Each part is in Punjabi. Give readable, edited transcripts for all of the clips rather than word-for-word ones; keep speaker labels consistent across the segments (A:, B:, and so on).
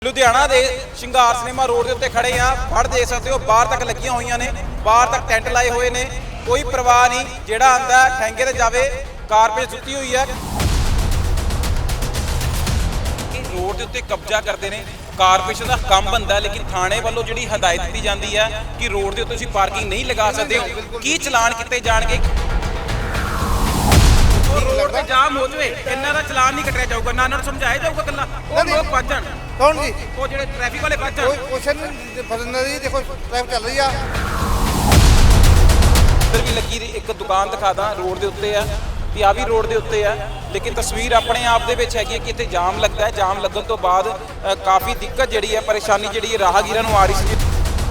A: ਲੁਧਿਆਣਾ ਦੇ ਸ਼ਿੰਗਾਰ ਸਿਨੇਮਾ ਰੋਡ ਦੇ ਉੱਤੇ ਖੜੇ ਆ। ਫੜ ਦੇਖ ਸਕਦੇ ਹੋ, ਬਾਹਰ ਤੱਕ ਲੱਗੀਆਂ ਹੋਈਆਂ ਨੇ, ਬਾਹਰ ਤੱਕ ਟੈਂਟ ਲਾਏ ਹੋਏ ਨੇ। ਕੋਈ ਪਰਵਾਹ ਨਹੀਂ, ਜਿਹੜਾ ਆਂਦਾ ਠੈਂਗੇ ਤੇ ਜਾਵੇ। ਕਾਰਪੇਟ ਸੁੱਤੀ ਹੋਈ ਹੈ। ਰੋਡ ਦੇ ਉੱਤੇ ਕਬਜ਼ਾ ਕਰਦੇ ਨੇ। ਕਾਰਪੋਰੇਸ਼ਨ ਦਾ ਕੰਮ ਬੰਦਾ, ਲੇਕਿਨ ਥਾਣੇ ਵੱਲੋਂ ਜਿਹੜੀ ਹਦਾਇਤ ਦਿੱਤੀ ਜਾਂਦੀ ਹੈ ਕਿ ਰੋਡ ਦੇ ਉੱਤੇ ਤੁਸੀਂ ਪਾਰਕਿੰਗ ਨਹੀਂ ਲਗਾ ਸਕਦੇ ਹੋ। ਕੀ ਚਲਾਨ ਕੀਤੇ ਜਾਣਗੇ? ਰੋਡ ਤੇ ਜਾਮ ਹੋ ਜਵੇ, ਇਹਨਾਂ ਦਾ ਚਲਾਨ ਨਹੀਂ ਕੱਟਿਆ ਜਾਊਗਾ, ਨਾ ਇਹਨਾਂ ਨੂੰ ਸਮਝਾਇਆ ਜਾਊਗਾ ਕੱਲਾ। ਉਹ ਲੋਕ ਭੱਜਣ
B: ਕੌਣ ਜੀ?
A: ਉਹ ਜਿਹੜੇ ਟ੍ਰੈਫਿਕ ਵਾਲੇ ਭੱਜਣ।
B: ਕੋਈ ਕੁਐਸਚਨ ਫਸਣਾ ਜੀ। ਦੇਖੋ ਟ੍ਰੈਫਿਕ ਚੱਲ ਰਹੀ ਆ।
A: ਇੱਧਰ ਵੀ ਲੱਗੀ ਇੱਕ ਦੁਕਾਨ ਦਿਖਾਦਾ, ਰੋਡ ਦੇ ਉੱਤੇ ਆ ਤੇ ਆ ਵੀ ਰੋਡ ਦੇ ਉੱਤੇ ਆ। ਲੇਕਿਨ ਤਸਵੀਰ ਆਪਣੇ ਆਪ ਦੇ ਵਿੱਚ ਹੈਗੀ ਕਿ ਇੱਥੇ ਜਾਮ ਲੱਗਦਾ ਹੈ। ਜਾਮ ਲੱਗਣ ਤੋਂ ਬਾਅਦ ਕਾਫੀ ਦਿੱਕਤ ਜਿਹੜੀ ਹੈ, ਪਰੇਸ਼ਾਨੀ ਜਿਹੜੀ ਹੈ ਰਾਹਗੀਰਾਂ ਨੂੰ ਆ ਰਹੀ ਸੀ।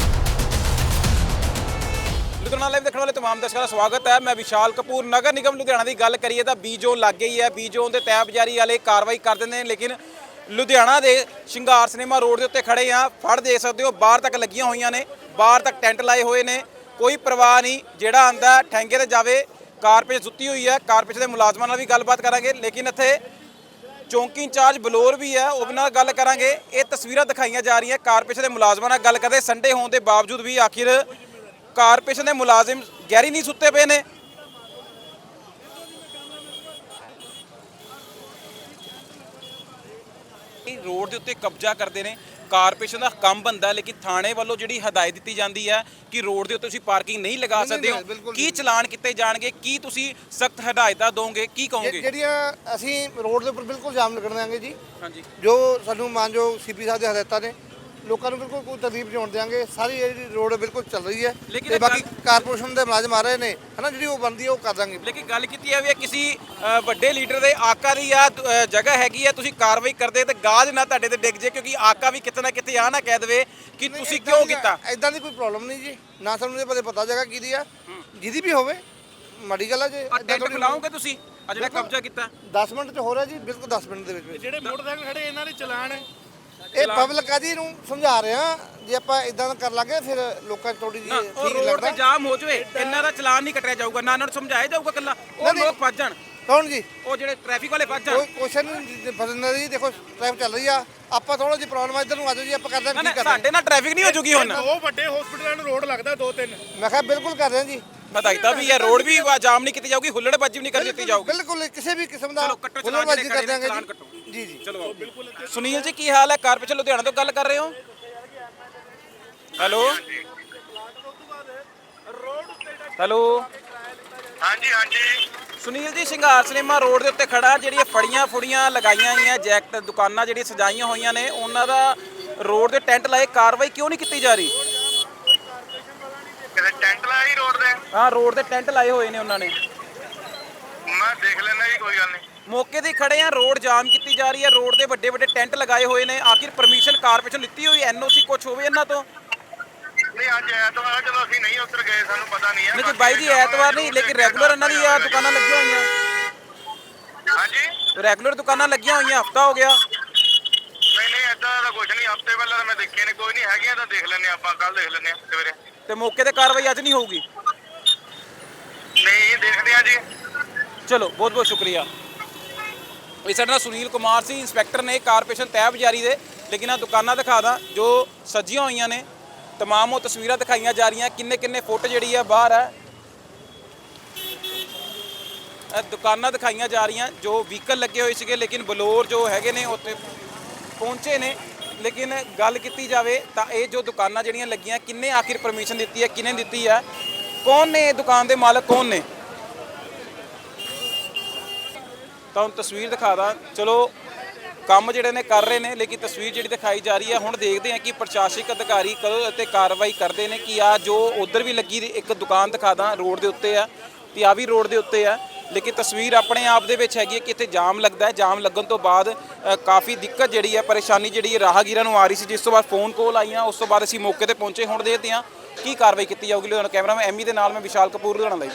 A: ਲੁਧਿਆਣਾ ਲਾਈਵ ਦੇਖਣ ਵਾਲੇ ਤਮਾਮ ਦਰਸ਼ਕਾਂ ਦਾ ਸਵਾਗਤ ਹੈ। ਮੈਂ ਵਿਸ਼ਾਲ ਕਪੂਰ। ਨਗਰ ਨਿਗਮ ਲੁਧਿਆਣਾ ਦੀ ਗੱਲ ਕਰੀਏ ਤਾਂ ਬੀ ਜ਼ੋਨ ਲੱਗ ਗਈ ਹੈ। ਬੀ ਜ਼ੋਨ ਦੇ ਤੈਅਬਜ਼ਾਰੀ ਵਾਲੇ ਕਾਰਵਾਈ ਕਰ ਦਿੰਦੇ ਨੇ, ਲੇਕਿਨ ਲੁਧਿਆਣਾ ਦੇ ਸ਼ਿੰਗਾਰ ਸਿਨੇਮਾ ਰੋਡ ਦੇ ਉੱਤੇ ਖੜੇ ਆ। ਫੜ ਦੇਖ ਸਕਦੇ ਹੋ, ਬਾਹਰ ਤੱਕ ਲੱਗੀਆਂ ਹੋਈਆਂ ਨੇ, ਬਾਹਰ ਤੱਕ ਟੈਂਟ ਲਾਏ ਹੋਏ ਨੇ। ਕੋਈ ਪਰਵਾਹ ਨਹੀਂ, ਜਿਹੜਾ ਆਂਦਾ ਠੈਂਗੇ ਤੇ ਜਾਵੇ। ਕਾਰਪੇਟ ਸੁੱਤੀ ਹੋਈ ਹੈ। ਕਾਰਪੇਟ ਦੇ ਮੁਲਾਜ਼ਮਾਂ ਨਾਲ ਵੀ ਗੱਲਬਾਤ ਕਰਾਂਗੇ, ਲੇਕਿਨ ਇੱਥੇ ਚੌਂਕੀ ਇੰਚਾਰਜ ਬਲੌਰ ਵੀ ਹੈ, ਉਹ ਨਾਲ ਗੱਲ ਕਰਾਂਗੇ। ਇਹ ਤਸਵੀਰਾਂ ਦਿਖਾਈਆਂ ਜਾ ਰਹੀਆਂ ਕਾਰਪੋਰੇਸ਼ਨ ਦੇ ਮੁਲਾਜ਼ਮਾਂ ਨਾਲ ਗੱਲ ਕਰਦੇ। ਸੰਡੇ ਹੋਣ ਦੇ ਬਾਵਜੂਦ ਵੀ ਆਖਿਰ ਕਾਰਪੋਰੇਸ਼ਨ ਦੇ ਮੁਲਾਜ਼ਮ ਗਹਿਰੀ ਨਹੀਂ ਸੁੱਤੇ ਪਏ ਨੇ। ਰੋਡ ਦੇ ਉੱਤੇ ਕਬਜ਼ਾ ਕਰਦੇ ਨੇ। ਕਾਰਪੋਰੇਸ਼ਨ ਦਾ ਕੰਮ ਬੰਦਾ, ਲੇਕਿਨ ਥਾਣੇ ਵੱਲੋਂ ਜਿਹੜੀ ਹਦਾਇਤ ਦਿੱਤੀ ਜਾਂਦੀ ਹੈ ਕਿ ਰੋਡ ਦੇ ਉੱਤੇ ਤੁਸੀਂ ਪਾਰਕਿੰਗ ਨਹੀਂ ਲਗਾ ਸਕਦੇ ਹੋ। ਕੀ ਚਲਾਨ ਕੀਤੇ ਜਾਣਗੇ? ਕੀ ਤੁਸੀਂ ਸਖਤ ਹਦਾਇਤਾਂ ਦੋਗੇ? ਕੀ ਕਹੋਗੇ?
B: ਜਿਹੜੀਆਂ ਅਸੀਂ ਰੋਡ ਦੇ ਉੱਪਰ ਬਿਲਕੁਲ ਜਾਮ ਲੱਗਣ ਦਿਆਂਗੇ ਜੀ।
A: ਹਾਂਜੀ, ਜੋ
B: ਜੋ ਸਾਨੂੰ ਮਾਨਯੋਗ ਸੀਪੀ ਸਾਹਿਬ ਦੀ ਹਦਾਇਤਾਂ ਨੇ, ਲੋਕਾਂ ਨੂੰ ਬਿਲਕੁਲ ਕੋਈ ਤਕਲੀਫ ਨਹੀਂ ਹੋਣ ਦਿਆਂਗੇ। ਸਾਰੀ ਜਿਹੜੀ ਰੋਡ ਬਿਲਕੁਲ ਚੱਲ ਰਹੀ ਹੈ ਤੇ ਬਾਕੀ ਕਾਰਪੋਰੇਸ਼ਨ ਦੇ ਮੁਲਾਜ਼ਮ ਆ ਰਹੇ ਨੇ, ਹਨਾ, ਜਿਹੜੀ ਉਹ ਬਣਦੀ ਹੈ ਉਹ ਕਰ ਦਾਂਗੇ।
A: ਲੇਕਿਨ ਗੱਲ ਕੀਤੀ ਹੈ ਵੀ ਕਿਸੇ ਵੱਡੇ ਲੀਡਰ ਦੇ ਆਕਾ ਦੀ ਆ ਜਗ੍ਹਾ ਹੈਗੀ ਹੈ, ਤੁਸੀਂ ਕਾਰਵਾਈ ਕਰਦੇ ਤੇ ਗਾਜ ਨਾ ਤੁਹਾਡੇ ਤੇ ਡਿੱਗ ਜੇ, ਕਿਉਂਕਿ ਆਕਾ ਵੀ ਕਿਤੇ ਨਾ ਕਿਤੇ ਆ ਨਾ ਕਹਿ ਦੇਵੇ ਕਿ ਤੁਸੀਂ ਕਿਉਂ ਕੀਤਾ।
B: ਇਦਾਂ ਦੀ ਕੋਈ ਪ੍ਰੋਬਲਮ ਨਹੀਂ ਜੀ, ਨਾ ਸਾਨੂੰ ਇਹ ਪਤਾ ਜਗ੍ਹਾ ਕਿਹਦੀ ਆ। ਜਿਹਦੀ ਵੀ ਹੋਵੇ ਮਾੜੀ ਗੱਲ ਆ। ਜੇ
A: ਟੈਂਟ ਖਿਲਾਓਗੇ ਤੁਸੀਂ ਆ ਜਿਹੜਾ ਕਬਜ਼ਾ ਕੀਤਾ?
B: 10 ਮਿੰਟ 'ਚ ਹੋ ਰਿਹਾ ਜੀ, ਬਿਲਕੁਲ 10 ਮਿੰਟ ਦੇ ਵਿੱਚ।
C: ਜਿਹੜੇ ਮੋਟਰਸਾਈਕਲ ਖੜੇ ਇਹਨਾਂ ਦੇ ਚਲਾਨ ਹੈ।
B: ਇਹ ਪਬਲਿਕ ਆ ਜੀ, ਨੂੰ ਸਮਝਾ ਰਹੇ ਆ। ਜੇ ਆਪਾਂ ਇਦਾਂ ਕਰ ਲਾਂਗੇ ਫਿਰ ਲੋਕਾਂ 'ਚ ਥੋੜੀ ਜਿਹੀ
A: ਉਹ ਰੋਡ ਤੇ ਜਾਮ ਹੋ ਜਵੇ, ਇਹਨਾਂ ਦਾ ਚਲਾਨ ਨਹੀਂ ਕੱਟਿਆ ਜਾਊਗਾ, ਨਾ ਇਹਨਾਂ ਨੂੰ ਸਮਝਾਇਆ ਜਾਊਗਾ ਕੱਲਾ। ਉਹ ਲੋਕ ਭੱਜਣ।
B: ਕੌਣ ਜੀ?
A: ਉਹ ਜਿਹੜੇ ਟ੍ਰੈਫਿਕ ਵਾਲੇ ਭੱਜਣ।
B: ਕੋਈ ਕੁਐਸਚਨ ਫਸਣਾ ਜੀ। ਦੇਖੋ ਟ੍ਰੈਫਿਕ ਚੱਲ ਰਹੀ ਆ। ਆਪਾਂ ਥੋੜਾ ਜਿਹੀ ਪ੍ਰੋਬਲਮ ਆ, ਇੱਧਰ ਨੂੰ ਆ ਜਾਓ ਜੀ, ਆਪਾਂ ਕਰਦੇ ਹਾਂ। ਕੀ ਕਰਦੇ
A: ਸਾਡੇ ਨਾਲ ਟ੍ਰੈਫਿਕ ਨਹੀਂ ਹੋ ਜੂਗੀ ਹੁਣ।
C: ਦੋ ਵੱਡੇ ਹਸਪੀਟਲਾਂ ਨੂੰ ਰੋਡ ਲੱਗਦਾ, 2-3।
B: ਮੈਂ ਕਿਹਾ ਬਿਲਕੁਲ ਕਰ ਰਹੇ ਹਾਂ ਜੀ।
A: ਹਦਾਇਤਾਂ ਵੀ ਹੈ, ਰੋਡ ਵੀ ਜਾਮ ਨਹੀਂ ਕੀਤੀ ਜਾਊਗੀ, ਹੁੱਲੜਬਾਜ਼ੀ ਵੀ ਨਹੀਂ ਕਰ ਦਿੱਤੀ ਜਾਊਗੀ।
B: ਬਿਲਕੁਲ ਕਿਸੇ ਵੀ ਕਿਸਮ ਦਾ
A: ਹੁੱਲੜਬਾਜ਼ੀ
B: ਹੁੱਲੜਬਾਜ਼ੀ ਕਰ ਦਿਆਂਗੇ ਜੀ। ਜੀ
A: ਚਲੋ ਸੁਨੀਲ ਜੀ, ਕੀ ਹਾਲ ਹੈ? ਕਾਰਪੋਰੇਸ਼ਨ ਲੁਧਿਆਣਾ ਤੋਂ ਗੱਲ ਕਰ ਰਹੇ ਹੋ? ਹੈਲੋ ਹੈਲੋ,
D: ਹਾਂਜੀ ਹਾਂਜੀ।
A: ਸੁਨੀਲ ਜੀ, ਸ਼ਿੰਗਾਰ ਸਿਨੇਮਾ ਰੋਡ ਦੇ ਉੱਤੇ ਖੜਾ, ਜਿਹੜੀਆਂ ਫੜੀਆਂ ਲਗਾਈਆਂ ਹੋਈਆਂ, ਜੈਕਟ ਦੁਕਾਨਾਂ ਜਿਹੜੀਆਂ ਸਜਾਈਆਂ ਹੋਈਆਂ ਨੇ, ਉਹਨਾਂ ਦਾ ਰੋਡ ਦੇ ਟੈਂਟ ਲਾਏ, ਕਾਰਵਾਈ ਕਿਉਂ ਨਹੀਂ ਕੀਤੀ ਜਾ ਰਹੀ?
D: ਕਿਤੇ ਟੈਂਟ ਲਾਇਆ ਰੋਡ ਤੇ?
A: ਹਾਂ, ਰੋਡ ਦੇ ਟੈਂਟ ਲਾਏ ਹੋਏ ਨੇ ਉਹਨਾਂ ਨੇ।
D: ਮੈਂ ਦੇਖ ਲੈਣਾ ਜੀ, ਕੋਈ ਗੱਲ ਨਹੀਂ।
A: ਮੌਕੇ ਤੇ ਖੜੇ ਆ, ਰੋਡ ਜਾਮ ਕੀਤੀ ਜਾ ਰਹੀ ਹੈ, ਰੋਡ ਤੇ ਵੱਡੇ ਟੈਂਟ ਲਗਾਏ ਹੋਏ ਨੇ। ਆਖਿਰ ਪਰਮਿਸ਼ਨ ਕਾਰਪੋਰੇਸ਼ਨ ਲਿੱਤੀ ਹੋਈ, ਐਨਓਸੀ ਕੁਝ ਹੋਵੇ ਇਹਨਾਂ ਤੋਂ?
D: ਨਹੀਂ, ਅੱਜ ਐਤਵਾਰ, ਚਲੋ ਅਸੀਂ ਨਹੀਂ ਉੱਤਰ ਗਏ, ਸਾਨੂੰ ਪਤਾ ਨਹੀਂ ਹੈ।
A: ਨਹੀਂ ਬਾਈ ਜੀ, ਐਤਵਾਰ ਨਹੀਂ, ਲੇਕਿਨ ਰੈਗੂਲਰ ਇਹਨਾਂ ਦੀ ਆ ਦੁਕਾਨਾਂ ਲੱਗੀਆਂ ਹੋਈਆਂ।
D: ਹਾਂਜੀ,
A: ਰੈਗੂਲਰ ਦੁਕਾਨਾਂ ਲੱਗੀਆਂ ਹੋਈਆਂ, ਹਫਤਾ ਹੋ ਗਿਆ।
D: ਨਹੀਂ ਏਦਾਂ ਦਾ ਕੁਝ ਨਹੀਂ। ਹਫਤੇ ਪਹਿਲਾਂ ਤਾਂ ਮੈਂ ਦੇਖਿਆ ਨਹੀਂ। ਕੋਈ ਨਹੀਂ, ਹੈਗੀਆਂ ਤਾਂ ਦੇਖ ਲੈਂਦੇ ਆਪਾਂ, ਕੱਲ ਦੇਖ ਲੈਂਦੇ ਆ ਸਵੇਰੇ।
A: ਤੇ ਮੌਕੇ ਤੇ ਕਾਰਵਾਈ ਅੱਜ ਨਹੀਂ ਹੋਊਗੀ?
D: ਨਹੀਂ, ਦੇਖਦੇ ਆ ਜੀ।
A: ਚਲੋ, ਬਹੁਤ ਬਹੁਤ ਸ਼ੁਕਰੀਆ। ਇਹ ਸਾਡੇ ਨਾਲ ਸੁਨੀਲ ਕੁਮਾਰ ਸੀ, ਇੰਸਪੈਕਟਰ ਨੇ ਕਾਰਪੋਰੇਸ਼ਨ ਤੈਅਬਜ਼ਾਰੀ ਦੇ। ਲੇਕਿਨ ਆ ਦੁਕਾਨਾਂ ਦਿਖਾ ਦਾਂ ਜੋ ਸਜੀਆਂ ਹੋਈਆਂ ਨੇ, ਤਮਾਮ ਉਹ ਤਸਵੀਰਾਂ ਦਿਖਾਈਆਂ ਜਾ ਰਹੀਆਂ। ਕਿੰਨੇ ਫੁੱਟ ਜਿਹੜੀ ਆ ਬਾਹਰ ਹੈ, ਇਹ ਦੁਕਾਨਾਂ ਦਿਖਾਈਆਂ ਜਾ ਰਹੀਆਂ ਜੋ ਵਹੀਕਲ ਲੱਗੇ ਹੋਏ ਸੀਗੇ, ਲੇਕਿਨ ਬਲੌਰ ਜੋ ਹੈਗੇ ਨੇ ਉੱਥੇ ਪਹੁੰਚੇ ਨੇ। ਲੇਕਿਨ ਗੱਲ ਕੀਤੀ ਜਾਵੇ ਤਾਂ ਇਹ ਜੋ ਦੁਕਾਨਾਂ ਜਿਹੜੀਆਂ ਲੱਗੀਆਂ, ਕਿੰਨੇ ਆਖਿਰ ਪਰਮਿਸ਼ਨ ਦਿੱਤੀ ਹੈ, ਕਿਹਨੇ ਦਿੱਤੀ ਹੈ, ਕੌਣ ਨੇ ਇਹ ਦੁਕਾਨ ਦੇ ਮਾਲਕ, ਕੌਣ ਨੇ? ਤਾਂ ਹੁਣ ਤਸਵੀਰ ਦਿਖਾ ਦਾਂ। ਚਲੋ, ਕੰਮ ਜਿਹੜੇ ਨੇ ਕਰ ਰਹੇ ਨੇ, ਲੇਕਿਨ ਤਸਵੀਰ ਜਿਹੜੀ ਦਿਖਾਈ ਜਾ ਰਹੀ ਹੈ, ਹੁਣ ਦੇਖਦੇ ਹਾਂ ਕਿ ਪ੍ਰਸ਼ਾਸਨਿਕ ਅਧਿਕਾਰੀ ਕਦੋਂ ਅਤੇ ਕਾਰਵਾਈ ਕਰਦੇ ਨੇ। ਕਿ ਆ ਜੋ ਉਧਰ ਵੀ ਲੱਗੀ ਇੱਕ ਦੁਕਾਨ ਦਿਖਾ ਦਾਂ, ਰੋਡ ਦੇ ਉੱਤੇ ਆ, ਤੇ ਆ ਵੀ ਰੋਡ ਦੇ ਉੱਤੇ ਆ। ਲੇਕਿਨ ਤਸਵੀਰ ਆਪਣੇ ਆਪ ਦੇ ਵਿੱਚ ਹੈਗੀ ਹੈ ਕਿ ਇੱਥੇ ਜਾਮ ਲੱਗਦਾ ਹੈ। ਜਾਮ ਲੱਗਣ ਤੋਂ ਬਾਅਦ ਕਾਫੀ ਦਿੱਕਤ ਜਿਹੜੀ ਹੈ, ਪਰੇਸ਼ਾਨੀ ਜਿਹੜੀ ਹੈ ਰਾਹਗੀਰਾਂ ਨੂੰ ਆ ਰਹੀ ਸੀ, ਜਿਸ ਤੋਂ ਬਾਅਦ ਫੋਨ ਕਾਲ ਆਈਆਂ। ਉਸ ਤੋਂ ਬਾਅਦ ਅਸੀਂ ਮੌਕੇ ਤੇ ਪਹੁੰਚੇ। ਹੁਣ ਦੇਖਦੇ ਹਾਂ ਕੀ ਕਾਰਵਾਈ ਕੀਤੀ ਜਾਊਗੀ। ਲੁਧਿਆਣਾ ਕੈਮਰਾਮੈਨ ਐਮੀ ਦੇ ਨਾਲ ਮੈਂ ਵਿਸ਼ਾਲ ਕਪੂਰ, ਲੁਧਿਆਣਾ ਲਈ।